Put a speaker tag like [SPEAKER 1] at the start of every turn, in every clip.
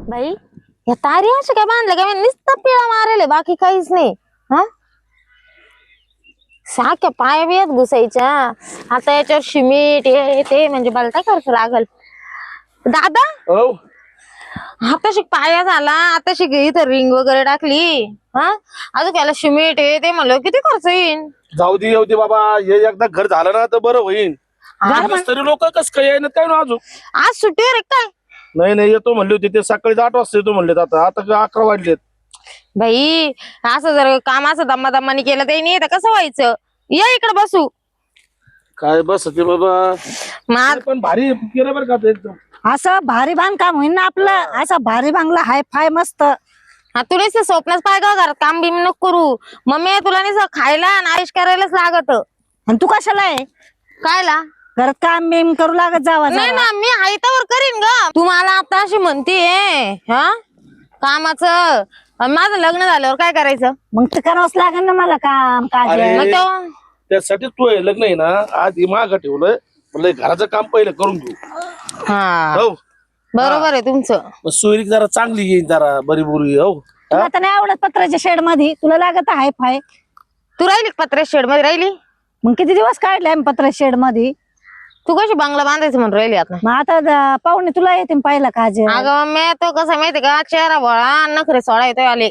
[SPEAKER 1] बाई या तारी अशा काय बांधल्या काय नुसतं पिळा मारेल बाकी काहीच नाही. हा साख्या पाया बियात घुसायच्या. आता याच्यावर शिमीट हे ते म्हणजे मला काय खर्च लागल दादा.
[SPEAKER 2] हो
[SPEAKER 1] आताशी पाया झाला आताशी इथं रिंग वगैरे टाकली. हा अजून याला शिमीट हे ते म्हणलं किती खर्च येईन.
[SPEAKER 2] जाऊ दे येऊ दे बाबा, हे एकदा घर झालं ना तर बरं होईल. तरी लोक कस काय येणार काय ना अजून.
[SPEAKER 1] आज सुट्टीवर काय
[SPEAKER 2] नाही नाही येतो म्हणले होते ते, सकाळी 8 वाजता येतो म्हणले. आता 11 वाजलेत.
[SPEAKER 1] बाई असं जर काम असं दम्मा दम्मानी केलं ते नाही तर कसं व्हायचं. या इकडे बसू.
[SPEAKER 2] काय बस ते बाबा,
[SPEAKER 1] मग
[SPEAKER 2] पण भारी केलं बरं का ते एकदम.
[SPEAKER 3] असं भारी बांधकाम होईल ना आपलं. असं भारी बांगला हाय फाय मस्त.
[SPEAKER 1] तू नाही स्वप्नच पाय का घरात काम बिम नको करू. मम्मी तुला नाही खायला नाश करायलाच लागत.
[SPEAKER 3] आणि तू कशाला आहे
[SPEAKER 1] कायला
[SPEAKER 3] घरात काम बिम करू लागत जावा
[SPEAKER 1] नाही ना मी आयतावर करीन ग. तू मला आता अशी म्हणतीये हा कामाचं. माझं लग्न झाल्यावर काय करायचं
[SPEAKER 3] मग ते करावंच लागेल ना मला काम काज.
[SPEAKER 2] अरे,
[SPEAKER 1] मग तेव्हा
[SPEAKER 2] त्यासाठी तू हे लग्न आहे ना आज माग ठेवलंय म्हणलं घराचं काम पहिलं करून घेऊ.
[SPEAKER 1] हा
[SPEAKER 2] हो
[SPEAKER 1] बरोबर आहे तुमचं.
[SPEAKER 2] मग सोयरीक जरा चांगली येईल, जरा बरी बुरी. हो
[SPEAKER 3] तुला तर नाही आवडत पत्राच्या शेड मध्ये, तुला लागत हाय फाय.
[SPEAKER 1] तू राहिली पत्रे शेड मध्ये राहिली.
[SPEAKER 3] मग किती दिवस काढले आम्ही पत्राच्या शेड मध्ये.
[SPEAKER 1] तू कशी बंगला बांधायचं म्हणून राहिली आता.
[SPEAKER 3] मग आता पाहुणे तुला येते पाहिला काज.
[SPEAKER 1] अगं मी तो कसं माहितीये का चेहरा भोळा नखरे सोडा येतोय आले.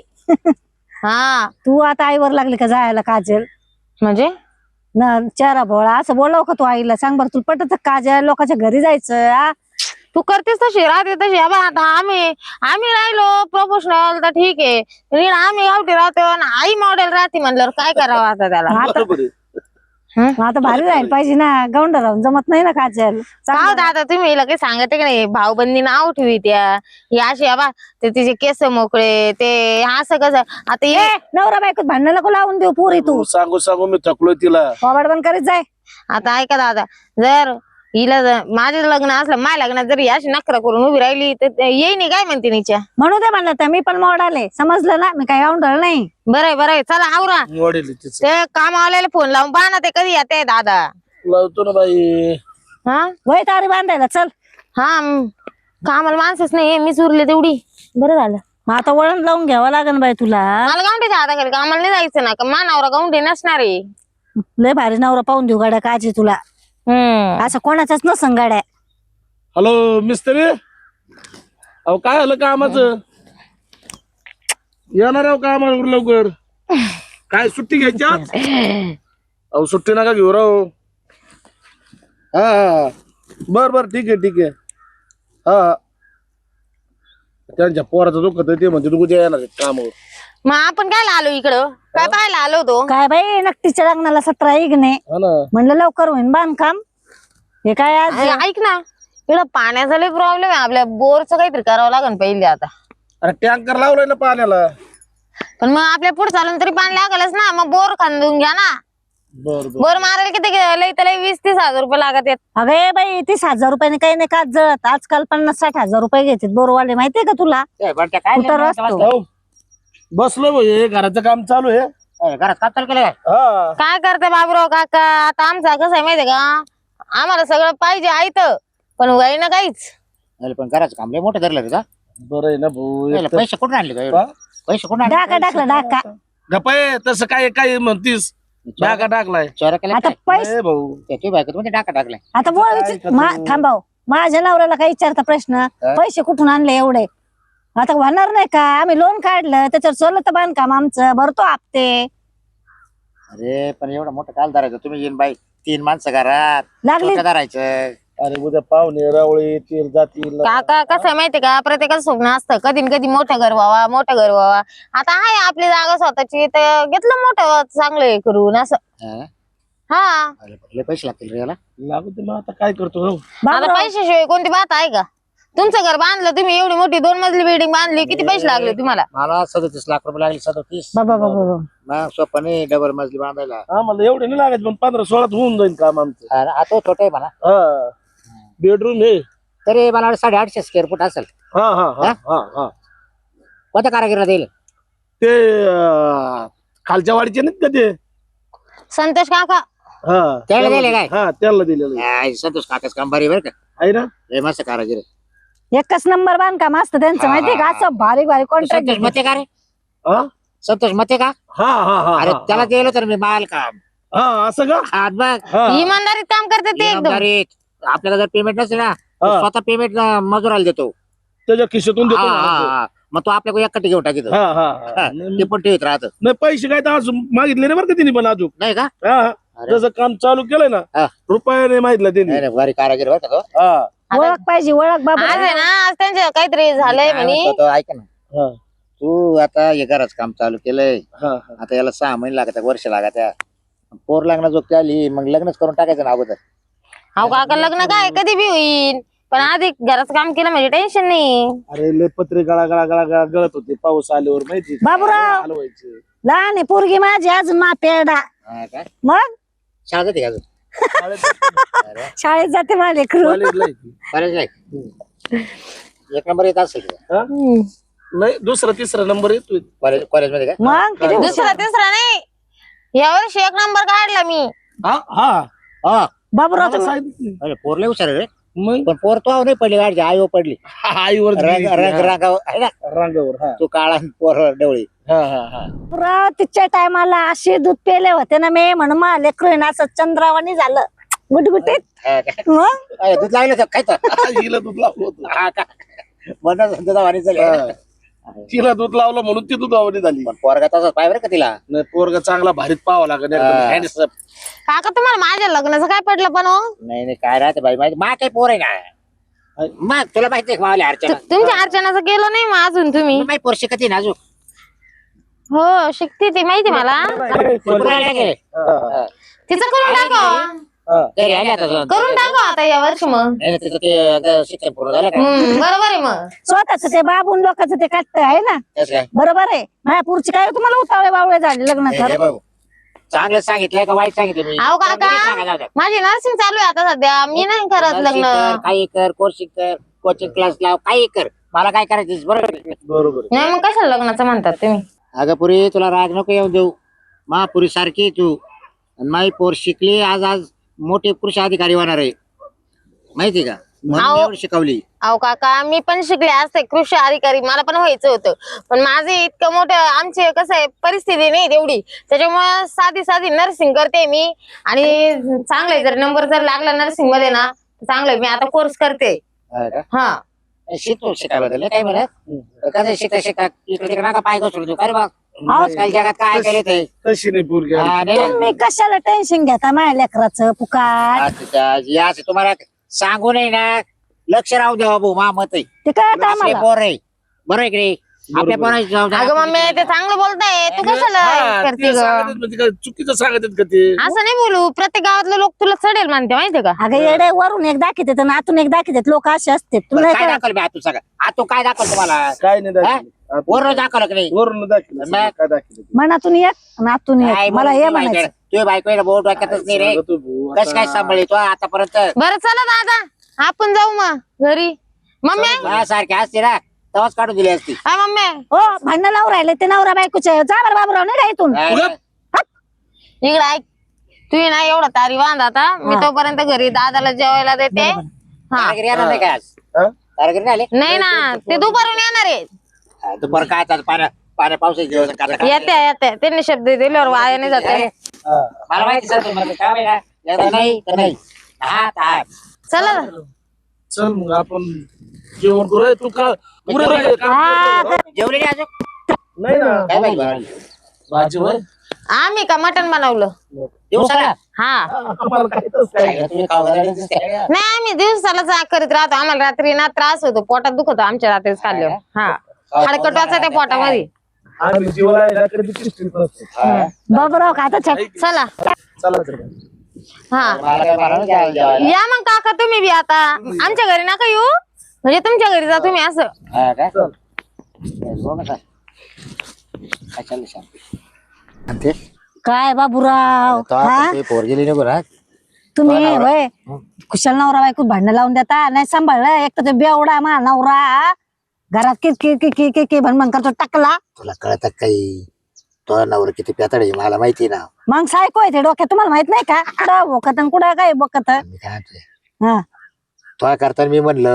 [SPEAKER 1] हा
[SPEAKER 3] तू आता आईवर लागली का जायला काजल.
[SPEAKER 1] म्हणजे
[SPEAKER 3] न चेहरा भोळा असं बोलाव का तू आईला. सांग बरं तुला पटत काजल लोकांच्या घरी जायचं आ?
[SPEAKER 1] तू करतेस तशी राहते तशी. आता आम्ही राहिलो प्रोफेशनल तर ठीक आहे. पण आम्ही गावठी राहतो आणि आई मॉडेल राहते म्हणल्यावर काय करावं आता त्याला.
[SPEAKER 2] बरोबर आहे.
[SPEAKER 3] आता भारी राहील पाहिजे ना. गावंडा राहून जमत नाही ना काजल.
[SPEAKER 1] का दादा तुम्ही हिला काही सांगते का नाही. भाऊबंदी नाव ठेवी त्या ही अशी ते तिचे केस मोकळे ते असं कसं आता
[SPEAKER 3] ए, नवरा बायकोत भांडण नको लावून देऊ पुरी तू.
[SPEAKER 2] सांगू सांगू मी थकलोय तिला.
[SPEAKER 3] कबाड बंद करीत जाय.
[SPEAKER 1] आता ऐका दादा जर हिला माझं लग्न असलं माझ्या लग्नात जर अशी नखरा करून उभी राहिली तर येईन काय म्हणते निच्या.
[SPEAKER 3] म्हणू दे म्हणलं तर मी पण मोड आले समजलं ना. मी काय गावंडळ नाही.
[SPEAKER 1] बरं चला आवरा.
[SPEAKER 2] वडील तिचं
[SPEAKER 1] ते कामावाल्याला फोन लावून पहा ना ते कधी येते दादा.
[SPEAKER 2] लावतो ना बाई.
[SPEAKER 1] हा
[SPEAKER 3] वय तारी बांधायला चल.
[SPEAKER 1] हा कामाला माणसच नाही मीच उरले तेवढी. बरं झालं.
[SPEAKER 3] मग आता वळण लावून घ्यावं लागेल बाई तुला.
[SPEAKER 1] मला गावठीच्या हाताखाली कामाला नाही जायचं ना का मानावर गावठी नसणार आहे.
[SPEAKER 3] लय भारी नवरा पाहून देऊ गाड्या काजी तुला. असं कोणाच्याच नसन गाड्या.
[SPEAKER 2] हॅलो मिस्त्री, अहो काय झालं कामाचं. येणार आहो कामावर लवकर. काय सुट्टी घ्यायची आज? अहो सुट्टी नका घेऊ राव. हा बर बर ठीक आहे. हा त्यांच्या पोराचं दुखत ते म्हणते तू कुठे येणार कामावर.
[SPEAKER 1] मग आपण काय आलो इकडं काय पाहायला आलो होतो.
[SPEAKER 3] काय बाई नक्कीच्या लग्नाला 17 इगणे
[SPEAKER 2] हा ना.
[SPEAKER 3] म्हणलं लवकर होईन बांधकाम. हे काय आज
[SPEAKER 1] ऐक ना इकडं पाण्याचा लय प्रॉब्लेम आहे. आपल्या बोरचं काहीतरी करावं लागेल पहिले आता.
[SPEAKER 2] अरे टँकर लावलाय ना पाण्याला.
[SPEAKER 1] पण मग आपल्या पुढे चालून तरी पाणी लागलच ना. मग बोर खांदून घ्या ना.
[SPEAKER 2] बर
[SPEAKER 1] बोर मारायला किती लय तर लय 20-30 हजार रुपये लागत आहेत.
[SPEAKER 3] अगे बाई 30,000 रुपयाने काही नाही काच जळत. आजकाल 50-60 हजार रुपये घेतात बोरवाले. माहितीये का तुला. कुठं रस्तो
[SPEAKER 2] बसलो भाई, घराचं काम चालू आहे.
[SPEAKER 4] घरात काम चालू केलं
[SPEAKER 2] हा
[SPEAKER 1] काय करते बाबूराव काका. आता आमचा कसं आहे माहितीये का आम्हाला सगळं पाहिजे आयतं पण वय ना काहीच.
[SPEAKER 4] काय पण घराचं काम लय मोठं धरलं का.
[SPEAKER 2] बरं आहे ना भाऊ.
[SPEAKER 4] पैसे कुठून आणले काय
[SPEAKER 2] हा?
[SPEAKER 4] पैसे कुठून आणले.
[SPEAKER 3] डाका टाकला डाका.
[SPEAKER 2] गप्पा तसं काय काय म्हणतीस. डाका टाकलाय.
[SPEAKER 4] चोऱ्या केल्या
[SPEAKER 3] आता
[SPEAKER 4] काय?
[SPEAKER 3] पैसे
[SPEAKER 2] ए भाऊ
[SPEAKER 4] ते बायको म्हणजे टाका टाकलाय.
[SPEAKER 3] आता बोल थांबाव. माझ्या नवऱ्याला काही विचारता प्रश्न. पैसे कुठून आणले एवढे. आता होणार नाही का. आम्ही लोन काढलं त्याच्यावर चाललं तर बांधकाम आमचं भरतो हप्ते.
[SPEAKER 4] अरे पण एवढं मोठं काल धरायचं तुम्ही येईन बाई 3 माणसं घरात
[SPEAKER 3] लागली
[SPEAKER 4] धरायचं.
[SPEAKER 2] अरे उद्या पाहुणे रावळे येतील जातील.
[SPEAKER 1] काका कसं आहे माहितीये का प्रत्येकाचं स्वप्न असतं कधी न कधी मोठं घर व्हावा. आता आहे आपली जागा स्वतःची तर घेतलं मोठं चांगलं हे करून असं.
[SPEAKER 4] हा?
[SPEAKER 1] हा
[SPEAKER 4] अरे लय पैसे लागतील रे याला.
[SPEAKER 2] लागू दे मग आता काय करतो. हो
[SPEAKER 1] आता पैशाशिवाय कोणती बात आहे का. तुमचं घर बांधलं तुम्ही एवढी मोठी 2 मजली बिल्डिंग बांधली किती पैसे लागले तुम्हाला.
[SPEAKER 4] मला 37 लाख रुपये लागले. 37.
[SPEAKER 3] बाबा बाबा
[SPEAKER 4] मग स्वप्ने डबल मजली बांधायला.
[SPEAKER 2] आम्हाला एवढे नाही लागत पण 15-16 होऊन जाईल काम आमचं.
[SPEAKER 4] आता छोटं आहे म्हणा.
[SPEAKER 2] हा बेडरूम आहे.
[SPEAKER 4] तरी मला 850 स्क्वेअर फूट असेल.
[SPEAKER 2] हा हा हा हा हा
[SPEAKER 4] कोणत्या कारागिरीला देईल.
[SPEAKER 2] ते खालच्या वाडीचे नाहीत का ते.
[SPEAKER 1] संतोष काका
[SPEAKER 2] हा
[SPEAKER 4] त्याला दिले काय.
[SPEAKER 2] हा त्याला दिलेलं आहे.
[SPEAKER 4] संतोष काकाच काम भारी बरं का.
[SPEAKER 2] आहे ना.
[SPEAKER 4] लय मस्त कारागिरी.
[SPEAKER 3] एकच नंबर बांधकाम असतं त्यांचं माहितीये का असं बारीक बारीक कॉन्ट्रॅक्ट
[SPEAKER 4] संतोष मते का रे
[SPEAKER 2] हा
[SPEAKER 4] संतोष मते का
[SPEAKER 2] हा हा हा
[SPEAKER 4] अरे
[SPEAKER 2] हा,
[SPEAKER 4] त्याला गेलो तर मी माल काम
[SPEAKER 2] हा असं का
[SPEAKER 4] हात बघ
[SPEAKER 2] हा
[SPEAKER 1] इमानदारीत काम करते ते एकदम.
[SPEAKER 4] इनामदारीत. आपल्याला जर पेमेंट नसेल ना तर
[SPEAKER 2] हा.
[SPEAKER 4] स्वतः पेमेंट मजुराला देतो
[SPEAKER 2] त्याच्या खिशातून देतो
[SPEAKER 4] हा,
[SPEAKER 2] म्हणायचं.
[SPEAKER 4] हा, हा. मग तो आपल्याकडे एकटी घेऊन टाकीतो
[SPEAKER 2] हा हा
[SPEAKER 4] हा,
[SPEAKER 2] हा.
[SPEAKER 4] ते पण ठेवत राहत
[SPEAKER 2] नाही पैसे काय तर अजून मागितले नाही बरं का तिने पण अजून
[SPEAKER 4] नाही का
[SPEAKER 2] हा हा.
[SPEAKER 4] अरे.
[SPEAKER 2] जसं काम चालू केलंय ना
[SPEAKER 4] हा.
[SPEAKER 2] रुपया नाही मागितलं
[SPEAKER 4] नाही
[SPEAKER 2] त्यांनी
[SPEAKER 4] रे, भारी कारागीर बरं का तो.
[SPEAKER 2] हा
[SPEAKER 3] ओळख पाहिजे ओळख बाबा
[SPEAKER 1] आज आहे ना आज त्यांच्या काहीतरी झालंय
[SPEAKER 4] काय
[SPEAKER 1] म्हणे.
[SPEAKER 4] म्हणतो तो, ऐक ना
[SPEAKER 2] हा
[SPEAKER 4] तू आता हे घराच काम चालू केलंय
[SPEAKER 2] हा हा.
[SPEAKER 4] आता याला 6 महिने लागत वर्ष लागत पोर लागणार जो आली मग लग्नच करून टाकायचं ना अगोदर
[SPEAKER 1] अहो काका लग्न काय कधी बी होईल पण आधी घराचं काम केलं म्हणजे टेन्शन नाही.
[SPEAKER 2] अरे लय पत्रे गळा गळा गळा गळा गळत होते पाऊस आल्यावर माहिती का?
[SPEAKER 3] बाबूराव.
[SPEAKER 2] हलवायचे
[SPEAKER 3] लहान आहे पोरगी माझी अजून मा पेरडा
[SPEAKER 4] हा काय
[SPEAKER 3] मग
[SPEAKER 4] शाळा जाते का अजून अरे
[SPEAKER 3] शाळेत जाते माझे लेकरू
[SPEAKER 2] कॉलेजला आहे ती.
[SPEAKER 4] कॉलेज नाही एक नंबर येत असेल
[SPEAKER 2] हा? नाही दुसरा तिसरा नंबर येतोय
[SPEAKER 4] कॉलेज मध्ये काय
[SPEAKER 3] मग किती हुशार.
[SPEAKER 1] दुसरा तिसरा नाही यावर्षी 1 नंबर काढला मी.
[SPEAKER 2] हा हा
[SPEAKER 4] हा
[SPEAKER 3] बाबूराव
[SPEAKER 2] मला
[SPEAKER 3] तुम्ही
[SPEAKER 2] सांगितलं नाही.
[SPEAKER 4] अरे पोरले हुशार आहे रे
[SPEAKER 2] मग
[SPEAKER 4] पण पोर तो नाही पडली गाडची आई पडली
[SPEAKER 2] आईवर
[SPEAKER 4] रंग रंग रंगावर आहे ना
[SPEAKER 2] रांगावर हा
[SPEAKER 4] तू काळा पोर डवळी
[SPEAKER 2] हा हा हा
[SPEAKER 3] बाबूराव तिच्या टायमाला असे दूध पेले होते ना मी म्हणून मा लेकरू आहे ना असं चंद्रावानी झालं गुटगुटीत
[SPEAKER 4] हा काय?
[SPEAKER 3] मग
[SPEAKER 4] अरे, दूध लागलं तर खायचं
[SPEAKER 2] हिला दूध लावलं होतं
[SPEAKER 4] हा का म्हणून दुधावानी झाली
[SPEAKER 2] हा. तिला दूध लावलं म्हणून ती दुधावणी झाली
[SPEAKER 4] पण पोरगा तसाच पाय बरं का तिला
[SPEAKER 2] नाही पोरगा चांगला भारीत पाहावा लागेल
[SPEAKER 4] हा.
[SPEAKER 2] handsome.
[SPEAKER 1] काका तुम्हाला माझ्या लग्नाचं काय पडलं पण हो?
[SPEAKER 4] नाही नाही काय राहते बाई माझी मा काही पोर आहे ना मग तुला माहिती आहे का मावल्या अर्चना
[SPEAKER 1] तुमच्या अर्चनाचं केलं नाही मग अजून तुम्ही.
[SPEAKER 4] माही पोर शिकत ना अजून
[SPEAKER 1] हो शिकते ती माहिती मला.
[SPEAKER 4] पुरायला गेले.
[SPEAKER 2] हा.
[SPEAKER 1] तिचं करून टाका
[SPEAKER 2] हा.
[SPEAKER 4] घरी आले आता जाऊन.
[SPEAKER 1] करून टाका आता या वर्षी मग.
[SPEAKER 4] नाही, नाही, तिचं ते एकदा शिक्षण पूर्ण झालं का
[SPEAKER 1] बरोबर आहे मग.
[SPEAKER 3] स्वतःच ते बाबून लोकांचं ते काटत आहे ना
[SPEAKER 4] तसं काय
[SPEAKER 3] बरोबर आहे माझ्या पुढची काय तुम्हाला उतावळे बावळे झाले लग्न
[SPEAKER 4] हे
[SPEAKER 3] कर
[SPEAKER 4] भाऊ चांगलं सांगितलंय का वाईट सांगितलं मी
[SPEAKER 1] अहो काका.
[SPEAKER 4] नाही सांगा, जाऊ द्या.
[SPEAKER 1] माझी नर्सिंग चालू आहे आता सध्या मी नाही करत
[SPEAKER 4] नर्सिंग
[SPEAKER 1] लग्न.
[SPEAKER 4] कर, काही कर कोर्सिंग कर कोचिंग क्लास लाव काही कर मला काय करायचं बरोबर आहे.
[SPEAKER 2] बरोबर आहे.
[SPEAKER 1] नाही मग कशाला लग्नाचं म्हणतात तुम्ही.
[SPEAKER 4] अगं पुरी तुला राग नको येऊन देऊ महापुरी सारखी तू आणि माई पोर शिकली आज आज मोठे कृषी अधिकारी होणार आहे माहिती का म्हणून
[SPEAKER 1] अहो.
[SPEAKER 4] एवढी शिकवली
[SPEAKER 1] अहो काका मी पण शिकले असते कृषी अधिकारी मला पण व्हायचं होतं पण माझे इतकं मोठं आमचे कसं आहे परिस्थिती नाही तेवढी त्याच्यामुळे साधी साधी नर्सिंग करते मी आणि चांगलं आहे जर नंबर जर लागला नर्सिंग मध्ये ना तर चांगलं आहे. मी आता कोर्स करते.
[SPEAKER 4] हा का?
[SPEAKER 1] हा
[SPEAKER 4] शिकतो शिकायला काय म्हणत कसं शिका शिका इकडे तिकडे नका पाय घसरू तू काय बघ आजकाल जगात काय केले ते
[SPEAKER 2] तशी नाही पोरगी
[SPEAKER 4] हा, नाही ना.
[SPEAKER 3] तुम्ही कशाला टेन्शन घेता माझ्या लेकराचं पुकार
[SPEAKER 4] अच्छा, असं तुम्हाला सांगू नाही ना लक्ष राहू द्या बाबू मा मत आहे
[SPEAKER 3] ते काय
[SPEAKER 4] आपले
[SPEAKER 3] आम्हाला
[SPEAKER 4] पोर आहे बरोबर आहे की नाही? आपल्या पोराची जबाबदारी
[SPEAKER 1] अगं
[SPEAKER 4] आपण
[SPEAKER 1] मम्मी ते चांगलं बोलताय तू कशाला
[SPEAKER 2] हा,
[SPEAKER 1] करते
[SPEAKER 2] ते
[SPEAKER 1] ग
[SPEAKER 2] सांगतात म्हणजे काय चुकीचं सांगतात का ते
[SPEAKER 1] असं नाही बोलू प्रत्येक गावातले लोक तुला चढेल मानते माहितीये का.
[SPEAKER 3] अगं येडे वरून एक दाखवते आणि आतून एक दाखवते लोक असे असते
[SPEAKER 4] बरं,
[SPEAKER 3] तुला
[SPEAKER 4] काय दाखवलं मी आतू सांगा आतू काय दाखवलं तुम्हाला
[SPEAKER 2] काय नाही दाखवलं.
[SPEAKER 4] वरून दाखवलं की नाही
[SPEAKER 2] वरून दाखवलं
[SPEAKER 4] मग?
[SPEAKER 2] काय दाखवलं
[SPEAKER 3] मनातून एक आणि आतून
[SPEAKER 4] काय
[SPEAKER 3] एक मला हे
[SPEAKER 4] बोलतो
[SPEAKER 3] म्हणायचं
[SPEAKER 4] तुझ्या बायको बोट वाटतच नाही रे
[SPEAKER 2] सांगतो भाऊ,
[SPEAKER 4] कस काय
[SPEAKER 2] आता.
[SPEAKER 4] सांभाळतो आतापर्यंत
[SPEAKER 1] बरं चला दादा आपण जाऊ मग घरी. मम्मी
[SPEAKER 4] सारखे असते ना तेव्हाच काढून दिली असती
[SPEAKER 1] हा मम्मी
[SPEAKER 3] हो भांडण लावून राहिले ते नवरा बायकोचे जा बरं बाबूराव नाही का इथून
[SPEAKER 4] काय?
[SPEAKER 1] इकडे ऐक तू ना एवढा तारी बांध आता मी
[SPEAKER 3] हा.
[SPEAKER 1] तोपर्यंत घरी दादाला जेवायला देते. हा
[SPEAKER 4] कारागिरी येणार नाही काय आज
[SPEAKER 2] हा?
[SPEAKER 4] कारागिरी नाही आले
[SPEAKER 1] नाही ना ते दुपारून येणार आहे.
[SPEAKER 4] दुपार काय आता पाण्या पावसाचे दिवस आहे, काटा काटा.
[SPEAKER 1] येते येते त्यांनी शब्द दिल्यावर वाया नाही जाते.
[SPEAKER 2] हा.
[SPEAKER 4] मला माहिती सर तुम्हाला काय माहिती का? एकदा नाही तर नाही हा हा.
[SPEAKER 1] चला ना.
[SPEAKER 2] चल मग आपण जेवण करू रे, तू का पुरे राहिले का?
[SPEAKER 4] जेवले नाही अजून
[SPEAKER 2] नाही ना
[SPEAKER 4] काय माहिती बनवली?
[SPEAKER 2] भाजीवर
[SPEAKER 1] आम्ही का मटण बनवलं.
[SPEAKER 4] दिवसाला
[SPEAKER 1] हा
[SPEAKER 2] आम्हाला काय तसं काय
[SPEAKER 4] काय तुम्ही खाऊ घालायला दिसते.
[SPEAKER 1] नाही आम्ही दिवसाला जाग करीत राहतो आम्हाला रात्री ना त्रास होतो पोटात दुखतो आमच्या रात्रीच खाल्ल्यावर. हा हाडकट वाचा त्या पोटामध्ये.
[SPEAKER 2] आम्ही जीवाला आहे ना, कधी चिष्टीत नसतो.
[SPEAKER 4] हा.
[SPEAKER 3] बाबूराव का आता
[SPEAKER 1] चला
[SPEAKER 2] चला तर
[SPEAKER 1] हा
[SPEAKER 4] मला काय बनवलं जेवायला?
[SPEAKER 1] या मग काका तुम्ही बी आता आमच्या घरी नका येऊ म्हणजे तुमच्या घरी जा तुम्ही असं.
[SPEAKER 4] हा काय?
[SPEAKER 2] चल.
[SPEAKER 4] बघ आता. काय चाललंय शांती? आणि ते?
[SPEAKER 3] काय बाबूराव
[SPEAKER 4] तो
[SPEAKER 3] हा
[SPEAKER 4] आता ते पोर गेली नको ना
[SPEAKER 3] तुम्ही
[SPEAKER 4] तो नवरा.
[SPEAKER 3] होय कुशल नवरा बायको भांडण लावून देता नाही सांभाळलं एक तर ते बेवडा मा नवरा घरात की भनभन करतो टाकला
[SPEAKER 4] तुला कळत काही तो नवर किती पेताड आहे मला माहिती ना
[SPEAKER 3] मग सायको आहे ते डोक्यात तुम्हाला माहित नाही का कुठं बोकत आणि कुठं काय बोकत
[SPEAKER 4] मी काय म्हणतोय
[SPEAKER 3] हा
[SPEAKER 4] तो करताना मी म्हणलं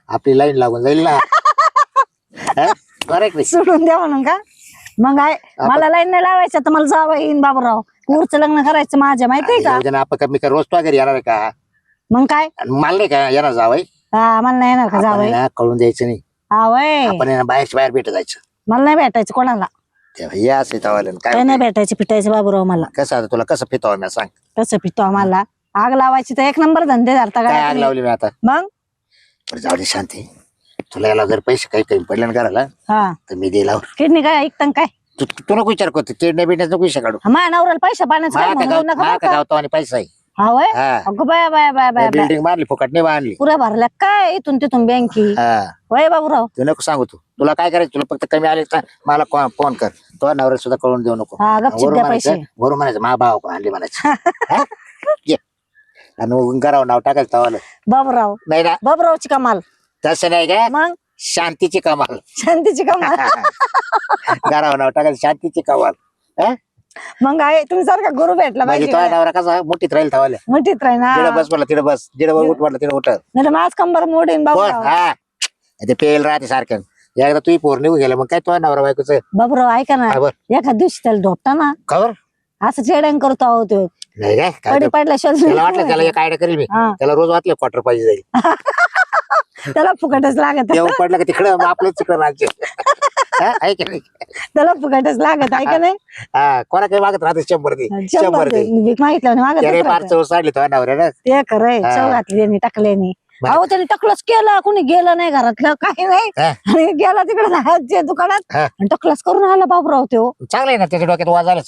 [SPEAKER 4] आपली लाईन लागून जाईल ना. करेक्ट.
[SPEAKER 3] सोडून द्या म्हणून का? मग मला लाईन नाही लावायचं तर मला जावं येईन बाबूराव. पुढचं लग्न करायचं माझ्या, माहितीये का?
[SPEAKER 4] आपण कमी कर रोज तो घरी येणार आहे का?
[SPEAKER 3] मग काय?
[SPEAKER 4] आणि मला नाही का येणार जावई?
[SPEAKER 3] हा, मला नाही येणार का
[SPEAKER 4] आपण
[SPEAKER 3] जावं?
[SPEAKER 4] आहे ना कळून द्यायचं नाही.
[SPEAKER 3] हा वय,
[SPEAKER 4] आपण आहे ना बाहेरच्या बाहेर भेट जायचं.
[SPEAKER 3] मला नाही भेटायचं कोणाला.
[SPEAKER 4] तेव्हा या असं तवालं
[SPEAKER 3] काय
[SPEAKER 4] काय
[SPEAKER 3] नाही भेटायचं पिटायचं बाबूराव मला.
[SPEAKER 4] कसं आता तुला कसं फितावं मी सांग.
[SPEAKER 3] कसं पितो आम्हाला? आग लावायची तर एक नंबर धंदे धरता
[SPEAKER 4] काय आग
[SPEAKER 3] काय?
[SPEAKER 4] लावली मी आता?
[SPEAKER 3] मग
[SPEAKER 4] बरं जाऊ दे शांती. तुला याला जर पैसे काही कमी पडले ना करायला
[SPEAKER 3] हा,
[SPEAKER 4] तर मी दिला.
[SPEAKER 3] किडनी काय ऐकतं काय?
[SPEAKER 4] तू नको विचार करतो किडनी बिडण्याच नको विषय काढू.
[SPEAKER 3] माझ्या नवऱ्याला पैसा पाण्याचं काय म्हणू नका बरं का?
[SPEAKER 4] गावतो आणि पैसा आहे.
[SPEAKER 3] हा वय,
[SPEAKER 4] हा.
[SPEAKER 3] अगं bye bye bye bye bye.
[SPEAKER 4] Building बांधली फुकट नाही बांधली.
[SPEAKER 3] पुऱ्या भरल्या काय इथून तिथून बँकी?
[SPEAKER 4] हा
[SPEAKER 3] वय बाबूराव.
[SPEAKER 4] तू नको सांगू. तुला काय करायचं? तुला फक्त कमी आले तर मला फोन कर. तो नवऱ्या सुद्धा कळून देऊ नको.
[SPEAKER 3] हा, गपचिप द्या पैसे.
[SPEAKER 4] वरून म्हणायचं मा भाव आणली म्हणायचं. हा? ये. आणि मग घरावर नाव टाकायचं तवाला.
[SPEAKER 3] बाबूराव,
[SPEAKER 4] नाही ना
[SPEAKER 3] बाबूरावची कमाल.
[SPEAKER 4] तसं नाही काय,
[SPEAKER 3] मग
[SPEAKER 4] शांतीची कमाल.
[SPEAKER 3] शांतीची कमाल.
[SPEAKER 4] घरावर नाव टाकायचं शांतीची कमाल. हा?
[SPEAKER 3] मग आहे तुमच्यासारखा गुरु भेटला
[SPEAKER 4] म्हणजे
[SPEAKER 3] पाहिजे
[SPEAKER 4] तो
[SPEAKER 3] का?
[SPEAKER 4] नवरा कसा मोठीत राहील तवाला.
[SPEAKER 3] मुठीत राही ना.
[SPEAKER 4] तिकडे बस म्हटलं तिकडे बस, जिडे उठ म्हटलं तिकडे उठ.
[SPEAKER 3] नाही तर माझ कंबर मोडीन
[SPEAKER 4] कोण?
[SPEAKER 3] बाबूराव.
[SPEAKER 4] हा ते पेल राहते सारखं. एकदा तुही पोर निघू गेला मग काय तो नवरा बायकोच
[SPEAKER 3] बाबूराव ऐका ना,
[SPEAKER 4] खबर
[SPEAKER 3] एखाद दिवशी त्याला ढोपटा ना,
[SPEAKER 4] खबर
[SPEAKER 3] असं चेडण करतो आहो तो.
[SPEAKER 4] नाही काय काय
[SPEAKER 3] पडी
[SPEAKER 4] ते-
[SPEAKER 3] पडल्याशिवाय
[SPEAKER 4] त्याला वाटलं त्याला एक आयडिया करेल मी.
[SPEAKER 3] हा,
[SPEAKER 4] त्याला रोज वाटलं क्वार्टर पाहिजे जाईल.
[SPEAKER 3] त्याला फुकटच लागत.
[SPEAKER 4] येऊन पडलं का तिकडं मग आपलं तिकडं राज्य. हा, आहे की नाही?
[SPEAKER 3] त्याला फुकटच लागत आहे का नाही?
[SPEAKER 4] हा कोणा काही मागत राहते 100 दे 100 दे.
[SPEAKER 3] भीक मागितलं
[SPEAKER 4] त्याने फार
[SPEAKER 3] मागत.
[SPEAKER 4] चव साडली तो नवऱ्यानं.
[SPEAKER 3] ते खरंय,
[SPEAKER 4] हा.
[SPEAKER 3] चव घातली त्यांनी टाकल्यानी.
[SPEAKER 4] बरं.
[SPEAKER 3] अहो त्याने टकलच केलं, कोणी गेलं नाही घरातलं काही नाही.
[SPEAKER 4] हा.
[SPEAKER 3] आणि गेला तिकडे दुकानात
[SPEAKER 4] हा.
[SPEAKER 3] आणि टकलच करून आला बाबूराव तो.
[SPEAKER 4] चांगलं आहे ना त्याच्या डोक्यात वाज आलाच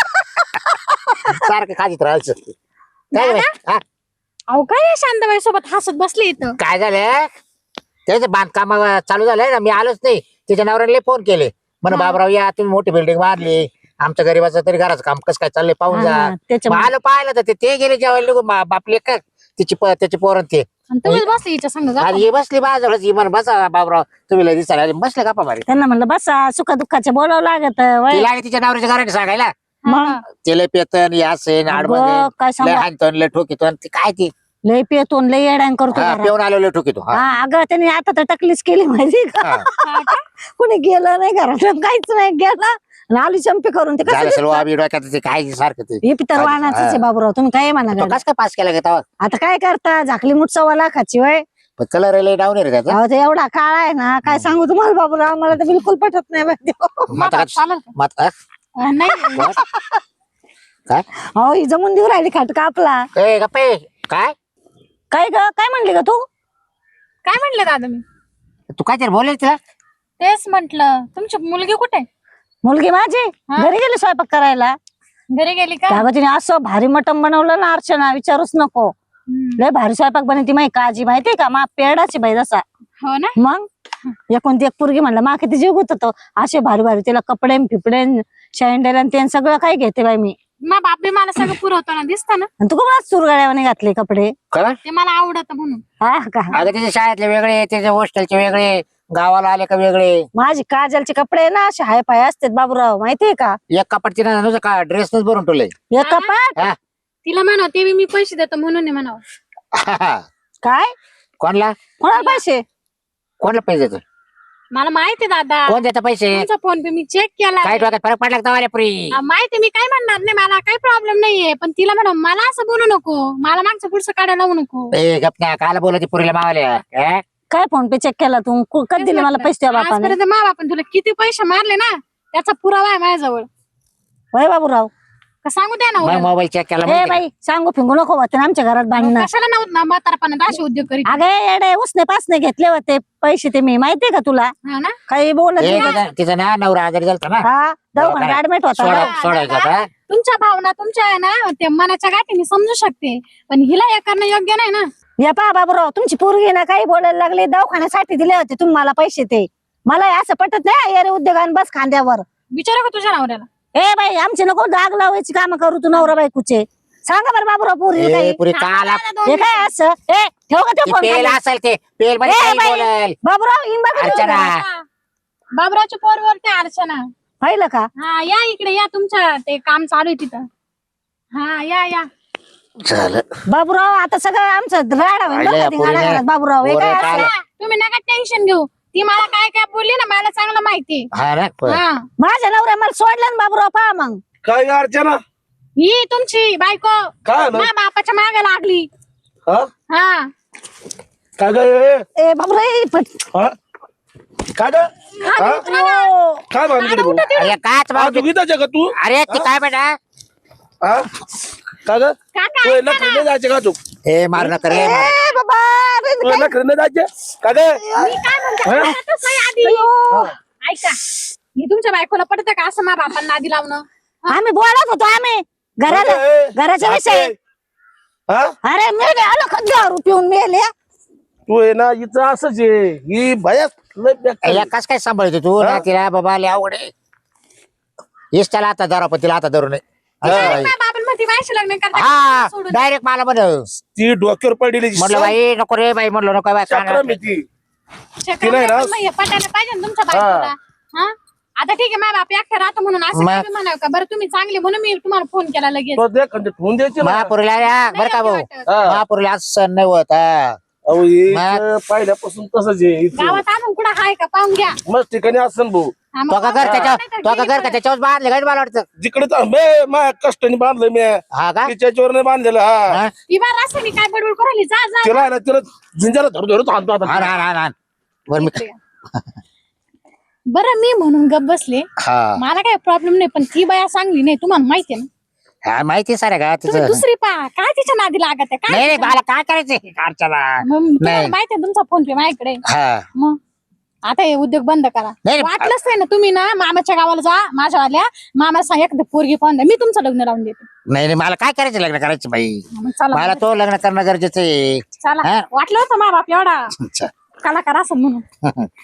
[SPEAKER 4] सारखं खाजीत राहायचं. काय रे? हा,
[SPEAKER 1] अहो काय शांताबाई सोबत हसत बसली इथं.
[SPEAKER 4] काय झालं त्याचं बांधकाम चालू झालंय ना. मी आलोच नाही. त्याच्या नवऱ्याला फोन केले म्हण बाबराव या तुम्ही मोठी बिल्डिंग बांधली आमच्या गरीबाचं तरी घराचं काम कसं काय चाललंय पाहून जा.
[SPEAKER 3] हा,
[SPEAKER 4] मग
[SPEAKER 3] त्याच्यामुळे
[SPEAKER 4] आलं पाहिलं तर ते गेले जेवायला निघून बापले का त्याची पोरण ते
[SPEAKER 1] आणि तुम्हीच बसली हिच्या संग गप्पा.
[SPEAKER 4] आणि ही बसली बाजूलाच ही म्हण बसा बाबराव तुम्ही लय दिसायला आले. बसले गप्पा मारी.
[SPEAKER 3] त्यांना म्हणलं बसा, सुख दुःखाचे बोलावं लागत. वय.
[SPEAKER 4] तिला आणि तिच्या नवऱ्याच्या घराने सांगायला
[SPEAKER 3] मग
[SPEAKER 4] ते लय पेतन या सेन आडबं
[SPEAKER 3] अगं, काय
[SPEAKER 4] लय
[SPEAKER 3] सांगू,
[SPEAKER 4] हाणतन लय ठोकीतन ते काय ते
[SPEAKER 3] लय पेतो लय येड्यान करतो
[SPEAKER 4] हा,
[SPEAKER 3] घरात.
[SPEAKER 4] पिऊन आलो लय ठोकीतो. हा.
[SPEAKER 3] हा, अगं त्यांनी आता तर टकलीच केली माहिती का?
[SPEAKER 4] हा.
[SPEAKER 3] कोणी गेलं नाही घरात, काहीच नाही गेला आणि आली चंपी करून. ते
[SPEAKER 4] झालं
[SPEAKER 3] कसं
[SPEAKER 4] सर्व आम्ही डोक्यात ते काय सारखं ते
[SPEAKER 3] हे पितर वाहनाचं आहे बाबूराव. तुम्ही काय म्हणा
[SPEAKER 4] तो
[SPEAKER 3] गाड्या?
[SPEAKER 4] कस काय पास केला का तेव्हा?
[SPEAKER 3] आता काय करता, झाकली मुठ 1.25 लाखाची वय.
[SPEAKER 4] पण कलर लय डाऊन आहे रे त्याचा.
[SPEAKER 3] अहो ते एवढा काळ आहे ना, काय सांगू तुम्हाला बाबूराव, मला तर बिलकुल पटत नाही माहिती.
[SPEAKER 4] मग आता
[SPEAKER 1] चालेल का? नाही
[SPEAKER 4] काय
[SPEAKER 3] हो, ही जमून देऊ राहिली खाट कापला.
[SPEAKER 4] ए, गप्पे काय
[SPEAKER 3] काय ग, काय म्हणली का तू?
[SPEAKER 1] काय म्हंटल दादा मी?
[SPEAKER 4] तू काय तरी बोलेल तिला?
[SPEAKER 1] तेच म्हंटल. तुमची मुलगी कुठे?
[SPEAKER 3] मुलगी माझी
[SPEAKER 1] हा?
[SPEAKER 3] घरी गेली स्वयंपाक करायला.
[SPEAKER 1] घरी गेली का?
[SPEAKER 3] त्यागं तिने असं भारी मटण बनवलं ना अर्चना, विचारूच नको. लय भारी स्वयंपाक बनवती माही काजी, माहितीये का? मा पेडाची बाई जसा.
[SPEAKER 1] हो ना.
[SPEAKER 3] मग एकोणती एक पोरगी म्हणलं मा किती जीव गुत होतो. असे भारी भारी तिला कपडे फिपडे शँडेल आणि ते सगळं काही घेते बाई मी.
[SPEAKER 1] मा बापे मला सगळं पुरवताना दिसत ना.
[SPEAKER 3] आणि तू कोणाच चुरगड्यावाने घातले कपडे?
[SPEAKER 4] काय
[SPEAKER 1] ते मला आवडत म्हणून.
[SPEAKER 3] हा का?
[SPEAKER 4] अगं त्याच्या शाळेतले वेगळे त्याच्या हॉस्टेलचे वेगळे गावाला आले का वेगळे.
[SPEAKER 3] माझी काजलचे कपडे ना असे हाय पाय असतात बाबूराव, माहितीये का?
[SPEAKER 4] एक कपाट तिने नुसतं का ड्रेसच भरून ठेवलंय.
[SPEAKER 3] एक कपाट
[SPEAKER 4] हा.
[SPEAKER 1] तिला म्हणा ते मी पैसे देतो म्हणून नाही म्हणावं.
[SPEAKER 3] काय?
[SPEAKER 4] कोणला
[SPEAKER 3] कोणाला पैसे?
[SPEAKER 4] कोणला पैसे देतो?
[SPEAKER 1] मला माहिती दादा.
[SPEAKER 4] कोण देतं पैसे?
[SPEAKER 1] तुमचा फोन पे मी चेक केला.
[SPEAKER 4] काय डोक्यात फरक पडला का पुरी?
[SPEAKER 1] माहिती, मी काय म्हणणार नाही, मला काही प्रॉब्लेम नाहीये. पण तिला म्हणा मला असं बोलू नको, मला मागचं पुढचं काढायला लावू नको.
[SPEAKER 4] ए गपना काला बोलती पुरीला मावल्या.
[SPEAKER 3] काय फोन पे चेक केला तू? कधी दिले मला पैसे त्या बापाने?
[SPEAKER 1] आजपर्यंत मा बापाने तुला किती पैसे मारले ना, त्याचा पुरावा आहे माझ्याजवळ.
[SPEAKER 3] होय बाबूराव.
[SPEAKER 1] का सांगू द्या ना
[SPEAKER 4] मग
[SPEAKER 1] उद्या.
[SPEAKER 4] मोबाईल चेक केला
[SPEAKER 3] ए
[SPEAKER 4] माहिती का?
[SPEAKER 3] बाई, सांगू फिंगू नको होते आमच्या घरात भांडणं.
[SPEAKER 1] कशाला नव्हतं ना म्हातारपणात असे उद्योग करीत.
[SPEAKER 3] अगे येडे, उसने पासने घेतले होते पैसे ते मी, माहितीये का तुला?
[SPEAKER 1] हा ना.
[SPEAKER 3] काही बोलत
[SPEAKER 4] ए,
[SPEAKER 3] नाही.
[SPEAKER 4] तिचा ना नवरा आजारी झालता ना.
[SPEAKER 3] हा, दवाखान्यात ऍडमिट होता ना.
[SPEAKER 4] सोडायचा होता.
[SPEAKER 1] तुमच्या भावना तुमच्या आहे ना ते मनाच्या गाठी मी समजू शकते, पण हिला हे करणं योग्य नाही ना.
[SPEAKER 3] या पहा बाबूराव, तुमची पोरगी ना काही बोलायला लागली, दवाखान्यासाठी दिले होते तुम्हाला पैसे ते. मला हे असं पटत नाही यारे उद्योगान बस खांद्यावर.
[SPEAKER 1] विचारू का तुझ्या नवऱ्याला?
[SPEAKER 3] ए बाई, आमचे नको दाग लावायची काम करू तू नवरा बायकोचे. सांगा बरं बाबूराव पोरी
[SPEAKER 4] ए,
[SPEAKER 3] काही.
[SPEAKER 4] पुरी काला
[SPEAKER 3] हे काय असं? ए ठेव का ते
[SPEAKER 4] ती
[SPEAKER 3] फोन
[SPEAKER 4] पेल
[SPEAKER 3] खाली?
[SPEAKER 4] असेल ते पेल मध्ये
[SPEAKER 3] ए,
[SPEAKER 4] काही
[SPEAKER 3] बाई.
[SPEAKER 4] बोलेल.
[SPEAKER 3] बाबूराव इन बघा
[SPEAKER 4] अर्चना.
[SPEAKER 1] हा. बाबरावच्या पोरवरती अर्चना.
[SPEAKER 3] पाहिलं का?
[SPEAKER 1] हा या इकडे या, तुमच्या ते काम चालू आहे तिथं. हा या या.
[SPEAKER 4] झालं
[SPEAKER 3] बाबूराव आता सगळं आमचं राडा होईल बरं का ते
[SPEAKER 4] पोरीने-
[SPEAKER 3] घराघरात. बाबूराव हे काय
[SPEAKER 4] पोरं
[SPEAKER 3] असं?
[SPEAKER 4] काय-
[SPEAKER 5] तुम्ही नका टेन्शन घेऊ. ती मला काय काय बोलली ना मला चांगलं माहिती.
[SPEAKER 4] हा ना
[SPEAKER 5] हा
[SPEAKER 3] माझ्या नवऱ्या मला सोडलं ना बाबूराव पहा मग.
[SPEAKER 2] काय ग अर्चना
[SPEAKER 5] ही तुमची बायको
[SPEAKER 2] काय आलं
[SPEAKER 5] माझ्या बापाच्या मागे लागली.
[SPEAKER 2] हा
[SPEAKER 5] हा
[SPEAKER 2] काय ग ए,
[SPEAKER 3] ए बाबूराव ए,
[SPEAKER 2] हा? काय ग हा?
[SPEAKER 3] ओ,
[SPEAKER 2] काय भानगड भाऊ?
[SPEAKER 4] अरे काच
[SPEAKER 2] हा, दुखीताच आहे का तू
[SPEAKER 4] अरे ती काय बेटा
[SPEAKER 2] हा काय ग
[SPEAKER 5] काका
[SPEAKER 2] तू नखरे नाही जायचे का तू
[SPEAKER 4] ए मार नका रे
[SPEAKER 3] ए बाबा अरे,
[SPEAKER 2] तू नखरे नाही जायचे का ग
[SPEAKER 5] मी काय म्हणते
[SPEAKER 2] हा?
[SPEAKER 5] आता तसं आहे आधी.
[SPEAKER 3] अयो.
[SPEAKER 5] ऐका ही तुमच्या बायकोला पटतं का असं माझ्या बापांना आधी लावणं.
[SPEAKER 3] आम्ही बोलत होतो आम्ही घराला
[SPEAKER 2] ए,
[SPEAKER 3] घराचा विषय.
[SPEAKER 2] हा
[SPEAKER 3] अरे मेले आलो का दारू पिऊन मेले.
[SPEAKER 2] तू आहे ना हिचं असंच आहे ही भयास लय बेकार आहे.
[SPEAKER 4] कस काय सांभाळतो तू
[SPEAKER 2] हा?
[SPEAKER 4] ना तिला बाबा लय आवड आहे हेच त्याला आता धरा पण तिला आता धरू नये
[SPEAKER 5] माझ्या बापांमध्ये माझ्याशी लग्न करता
[SPEAKER 4] हा
[SPEAKER 5] सोडून.
[SPEAKER 4] डायरेक्ट मला म्हण
[SPEAKER 2] ती डोक्यावर पडलेली
[SPEAKER 4] म्हटलं बाई नको रे बाई म्हटलं नको बाई
[SPEAKER 2] चक्रम आहे ती
[SPEAKER 5] चक्र
[SPEAKER 2] नाही ना.
[SPEAKER 5] पण नाही, पटायला पाहिजे ना तुमच्या बायकोला. हा आता ठीक आहे माझ्या बाप एकटा राहतो म्हणून असं
[SPEAKER 4] मग-
[SPEAKER 5] काय बी म्हणावं का. बरं तुम्ही चांगले म्हणून मी तुम्हाला फोन केला लगेच.
[SPEAKER 2] तो देख म्हणजे ठेवून द्यायची ना
[SPEAKER 4] महापुरीला बरं का भाऊ
[SPEAKER 5] नाही वाटत.
[SPEAKER 2] हा.
[SPEAKER 4] महापुरीला आज सण नाही होत हा.
[SPEAKER 2] अहो हिचं पहिल्यापासून तसंच आहे हिचं.
[SPEAKER 5] गावात आणून कुठं हाय का पाहून घ्या.
[SPEAKER 2] मस्त ठिकाणी असं भाऊ
[SPEAKER 5] हा, मग
[SPEAKER 4] तो का घर
[SPEAKER 5] पाहून
[SPEAKER 4] त्याच्या
[SPEAKER 5] घ्या.
[SPEAKER 4] तो का घर का त्याच्यावर बांधले काय मला वाटतं
[SPEAKER 2] जिकडे तर माझ्या कष्टाने बांधलं मी
[SPEAKER 4] हा का
[SPEAKER 2] तिच्यावर नाही बांधलेलं हा
[SPEAKER 4] हा?
[SPEAKER 5] ही बार असं मी काय बडबड करायली जा जा
[SPEAKER 2] तिला आहे ना तिला झिंजाला धरू धरू थांबतो
[SPEAKER 4] हा
[SPEAKER 2] आता
[SPEAKER 4] हा हा बरं मी
[SPEAKER 5] बरं मी म्हणून गप बसले.
[SPEAKER 4] हा
[SPEAKER 5] मला काही प्रॉब्लेम नाही पण ती बाया चांगली नाही तुम्हाला माहिती आहे ना.
[SPEAKER 4] हा माहिती आहे सारे का
[SPEAKER 5] तुम्ही
[SPEAKER 4] तिचं
[SPEAKER 5] दुसरी पा काय तिच्या नादी लागत आहे
[SPEAKER 4] नाही
[SPEAKER 5] काय
[SPEAKER 4] नाही मला काय करायचंय कारच्याला
[SPEAKER 5] मग तुम्हाला
[SPEAKER 4] नाही.
[SPEAKER 5] माहिती आहे तुमचा फोन पे माझ्याकडे.
[SPEAKER 4] हा
[SPEAKER 5] मग आता हे उद्योग बंद करा.
[SPEAKER 4] नाही.
[SPEAKER 5] वाटलंच नाही ना तुम्ही ना मामाच्या गावाला जा माझ्यावाल्या मामा सांग एकदा पोरगी पाहून द्या मी तुमचं लग्न लावून देते.
[SPEAKER 4] नाही नाही मला काय करायचं लग्न करायचं बाई
[SPEAKER 5] मग चला
[SPEAKER 4] मला तो लग्न करणं गरजेचं आहे
[SPEAKER 5] चला
[SPEAKER 4] हा?
[SPEAKER 5] वाटलं होतं मा बाप एवढा
[SPEAKER 4] अच्छा.
[SPEAKER 5] कलाकार असं म्हणून